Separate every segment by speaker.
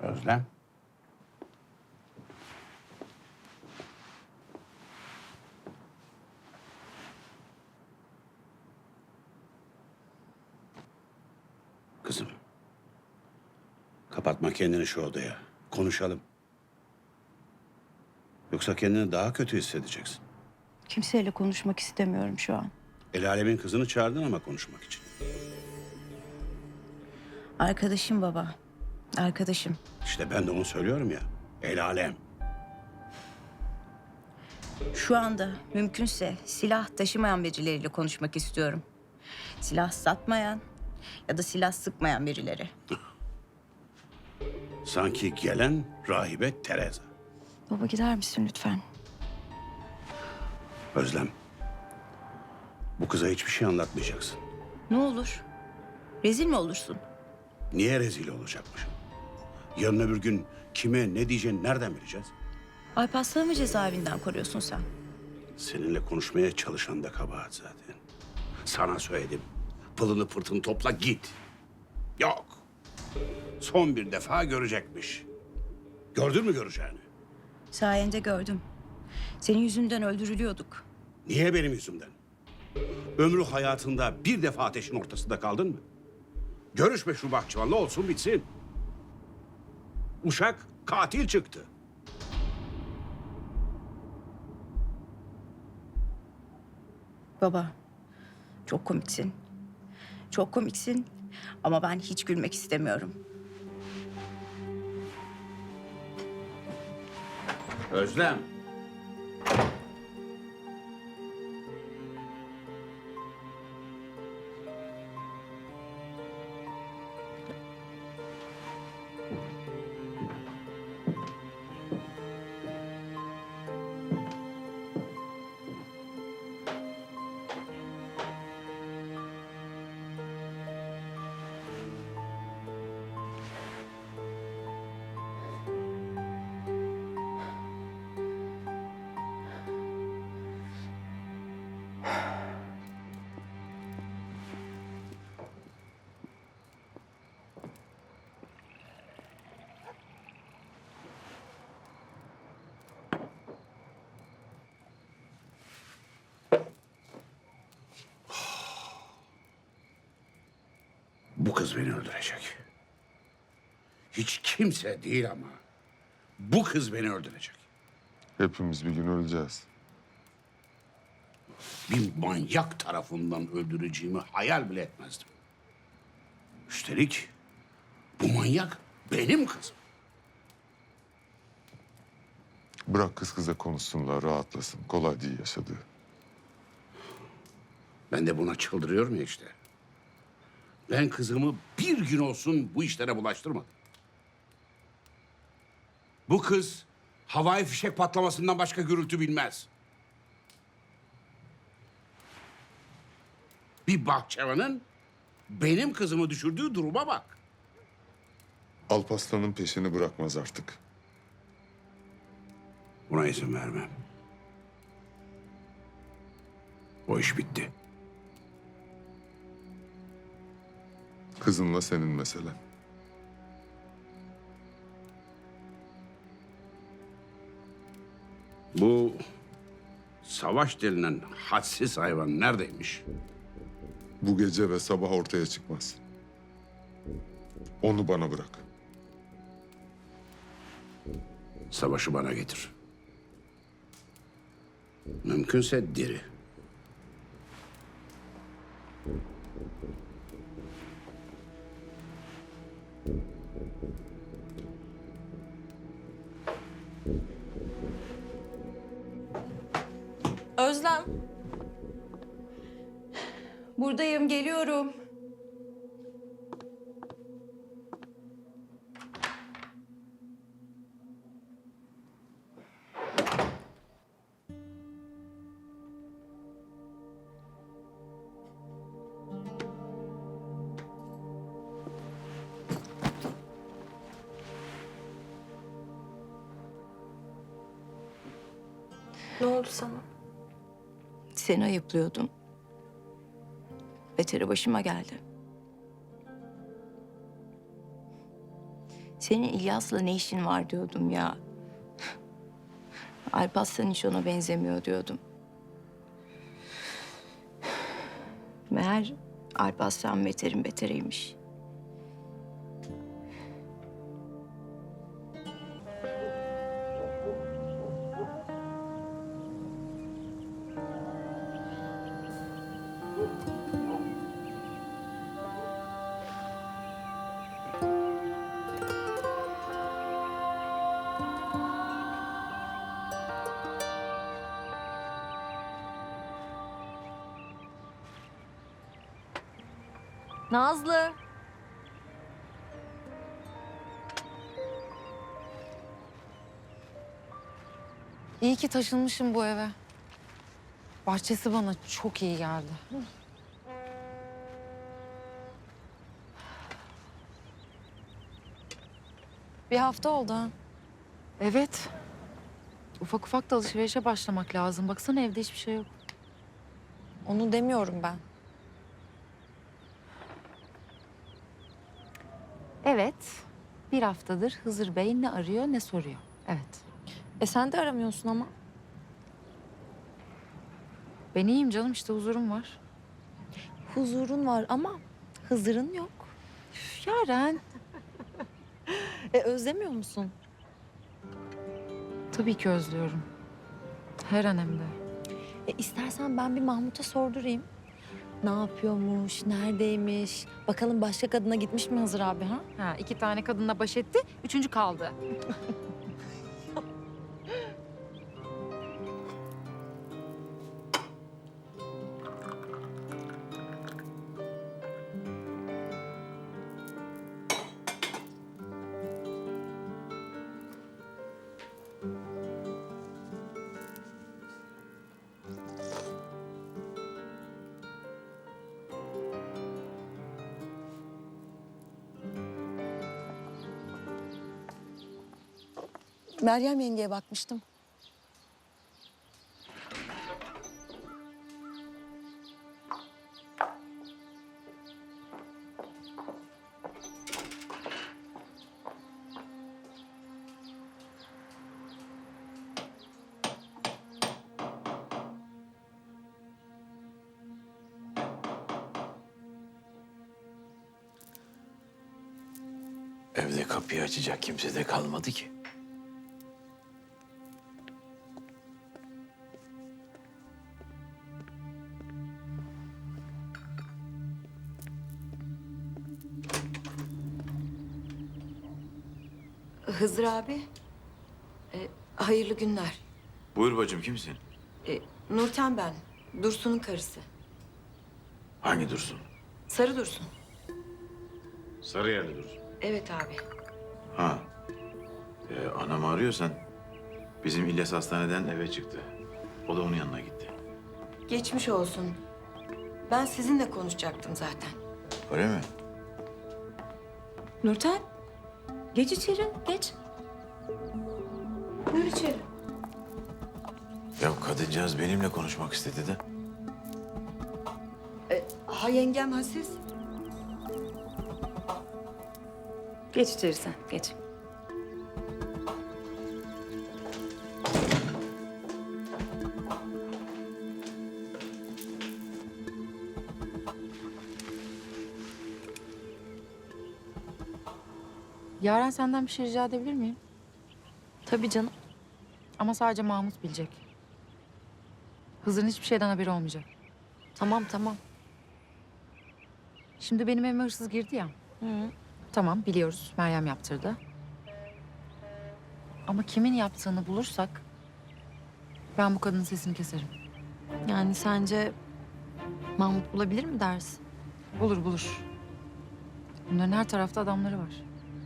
Speaker 1: Özlem. Kızım. Kapatma kendini şu odaya. Konuşalım. Yoksa kendini daha kötü hissedeceksin.
Speaker 2: Kimseyle konuşmak istemiyorum şu an.
Speaker 1: El alemin kızını çağırdın ama konuşmak için.
Speaker 2: Arkadaşım baba. Arkadaşım.
Speaker 1: İşte ben de onu söylüyorum ya. El alem.
Speaker 2: Şu anda mümkünse silah taşımayan birileriyle konuşmak istiyorum. Silah satmayan ya da silah sıkmayan birileri.
Speaker 1: Sanki gelen rahibe Teresa.
Speaker 2: Baba gider misin lütfen?
Speaker 1: Özlem. Bu kıza hiçbir şey anlatmayacaksın.
Speaker 2: Ne olur? Rezil mi olursun?
Speaker 1: Niye rezil olacakmışım? Yarın öbür gün kime ne diyeceğini nereden bileceğiz?
Speaker 2: Alparslan'ı mı cezaevinden koruyorsun sen?
Speaker 1: Seninle konuşmaya çalışan da kabahat zaten. Sana söyledim. Pılını pırtını topla git. Yok. Son bir defa görecekmiş. Gördün mü göreceğini?
Speaker 2: Sayende gördüm. Senin yüzünden öldürülüyorduk.
Speaker 1: Niye benim yüzümden? Ömrü hayatında bir defa ateşin ortasında kaldın mı? Görüşme şu bahçıvanla olsun bitsin. Uşak katil çıktı.
Speaker 2: Baba, çok komiksin. Çok komiksin ama ben hiç gülmek istemiyorum.
Speaker 1: Özlem. Bu kız beni öldürecek. Hiç kimse değil ama bu kız beni öldürecek.
Speaker 3: Hepimiz bir gün öleceğiz.
Speaker 1: Bir manyak tarafından öldüreceğimi hayal bile etmezdim. Üstelik bu manyak benim kızım.
Speaker 3: Bırak kız kıza konuşsunlar, rahatlasın. Kolay değil yaşadığı.
Speaker 1: Ben de buna çıldırıyorum ya işte. Ben kızımı bir gün olsun bu işlere bulaştırmadım. Bu kız havai fişek patlamasından başka gürültü bilmez. Bir bahçıvanın benim kızımı düşürdüğü duruma bak.
Speaker 3: Alparslan'ın peşini bırakmaz artık.
Speaker 1: Buna izin vermem. O iş bitti.
Speaker 3: Kızınla senin meselen.
Speaker 1: Bu Savaş denilen hadsiz hayvan neredeymiş?
Speaker 3: Bu gece ve sabah ortaya çıkmaz. Onu bana bırak.
Speaker 1: Savaşı bana getir. Mümkünse diri.
Speaker 2: Özlem. Buradayım, geliyorum.
Speaker 4: Ne oldu sana?
Speaker 2: Seni ayıplıyordum. Beteri başıma geldi. Senin İlyas'la ne işin var diyordum ya. Alparslan hiç ona benzemiyor diyordum. Meğer Alparslan beterin beteriymiş.
Speaker 4: Nazlı. İyi ki taşınmışım bu eve. Bahçesi bana çok iyi geldi. Bir hafta oldu ha. Evet. Ufak ufak da alışverişe başlamak lazım. Baksana evde hiçbir şey yok. Onu demiyorum ben. Evet. Bir haftadır Hızır Bey ne arıyor ne soruyor. Evet.
Speaker 5: Sen de aramıyorsun ama.
Speaker 4: Ben iyiyim canım, işte huzurum var.
Speaker 5: Huzurun var ama Hızır'ın yok.
Speaker 4: Üf, Yaren.
Speaker 5: Özlemiyor musun?
Speaker 4: Tabii ki özlüyorum. Her an hem de.
Speaker 5: İstersen ben bir Mahmut'a sordurayım. Ne yapıyormuş, neredeymiş? Bakalım başka kadına gitmiş mi Hızır abi ha?
Speaker 4: Ha, 2 tane kadınla baş etti, 3. kaldı.
Speaker 5: Meryem yengeye bakmıştım.
Speaker 6: Evde kapıyı açacak kimse de kalmadı ki.
Speaker 5: Hızır abi, hayırlı günler.
Speaker 6: Buyur bacım, kimsin?
Speaker 5: Nurten ben, Dursun'un karısı.
Speaker 6: Hangi Dursun?
Speaker 5: Sarı Dursun.
Speaker 6: Sarıyerli Dursun.
Speaker 5: Evet abi.
Speaker 6: Ha. Anamı arıyorsan bizim İlyas hastaneden eve çıktı. O da onun yanına gitti.
Speaker 5: Geçmiş olsun. Ben sizinle konuşacaktım zaten.
Speaker 6: Öyle mi?
Speaker 5: Nurten, geç içeri, geç. Buyur içeri.
Speaker 6: Ya kadıncağız benimle konuşmak istedi de.
Speaker 5: Ha yengem, ha siz?
Speaker 2: Geç içeri sen, geç.
Speaker 4: Yaren, senden bir şey rica edebilir miyim?
Speaker 5: Tabii canım.
Speaker 4: Ama sadece Mahmut bilecek. Hızır'ın hiçbir şeyden haberi olmayacak.
Speaker 5: Tamam, tamam.
Speaker 4: Şimdi benim evime hırsız girdi ya. Tamam, biliyoruz. Meryem yaptırdı. Ama kimin yaptığını bulursak ben bu kadının sesini keserim.
Speaker 5: Yani sence Mahmut bulabilir mi dersin?
Speaker 4: Bulur bulur. Bunların her tarafta adamları var.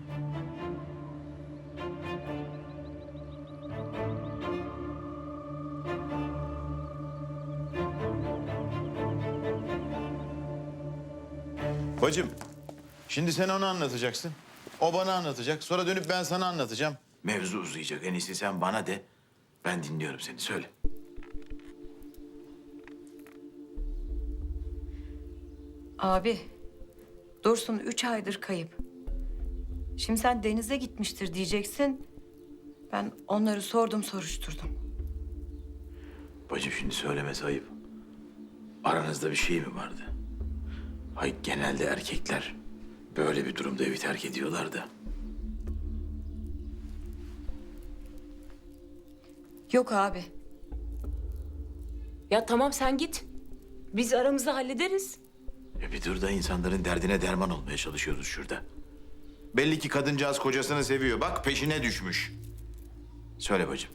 Speaker 6: Bacım, şimdi sen ona anlatacaksın. O bana anlatacak. Sonra dönüp ben sana anlatacağım. Mevzu uzayacak. En iyisi sen bana de. Ben dinliyorum seni. Söyle.
Speaker 5: Abi, Dursun 3 aydır kayıp.
Speaker 2: Şimdi sen denize gitmiştir diyeceksin. Ben onları sordum, soruşturdum.
Speaker 6: Bacım şimdi söylemesi ayıp. Aranızda bir şey mi vardı? Hay genelde erkekler böyle bir durumda evi terk ediyorlar da.
Speaker 2: Yok abi.
Speaker 7: Ya tamam sen git. Biz aramızda hallederiz.
Speaker 6: Bir dur da insanların derdine derman olmaya çalışıyoruz şurada. Belli ki kadıncağız kocasını seviyor. Bak peşine düşmüş. Söyle bacım.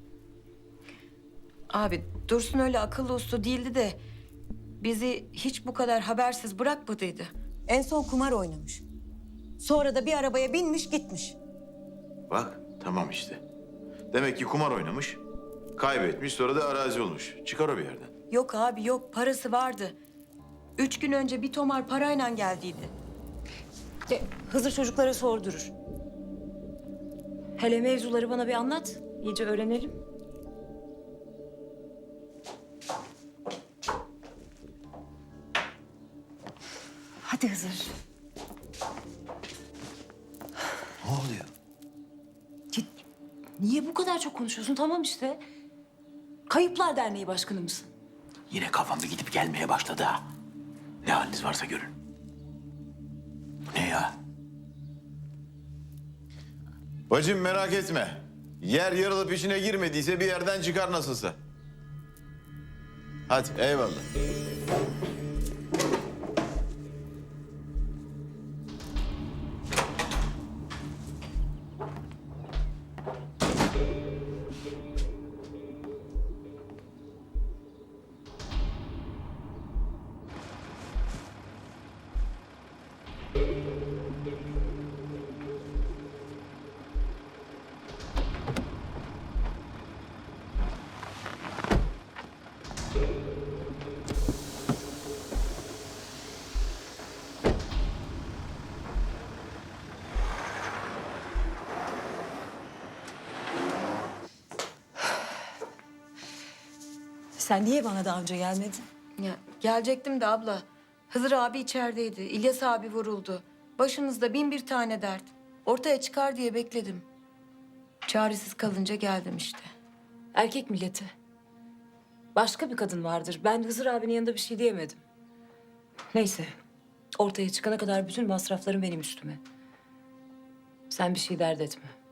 Speaker 2: Abi Dursun öyle akıllı uslu değildi de bizi hiç bu kadar habersiz bırakmadıydı.
Speaker 8: En son kumar oynamış. Sonra da bir arabaya binmiş gitmiş.
Speaker 6: Bak tamam işte. Demek ki kumar oynamış, kaybetmiş sonra da arazi olmuş. Çıkar o bir yerden.
Speaker 2: Yok abi yok, parası vardı. 3 gün önce bir tomar parayla geldiydi.
Speaker 7: Hızır çocuklara sordurur. Hele mevzuları bana bir anlat. İyice öğrenelim.
Speaker 2: Hadi Hızır.
Speaker 6: Ne oluyor?
Speaker 7: Niye bu kadar çok konuşuyorsun? Tamam işte. Kayıplar Derneği Başkanı mısın?
Speaker 6: Yine kafam bir gidip gelmeye başladı ha. Ne haliniz varsa görün. Ne ya? Bacım merak etme. Yer yarılıp içine girmediyse bir yerden çıkar nasılsa. Hadi eyvallah.
Speaker 8: Sen niye bana daha önce gelmedin?
Speaker 2: Ya gelecektim de abla. Hızır abi içerideydi. İlyas abi vuruldu. Başınızda bin bir tane dert. Ortaya çıkar diye bekledim. Çaresiz kalınca geldim işte.
Speaker 7: Erkek milleti. Başka bir kadın vardır. Ben Hızır abinin yanında bir şey diyemedim. Neyse. Ortaya çıkana kadar bütün masraflarım benim üstüme. Sen bir şey dert etme.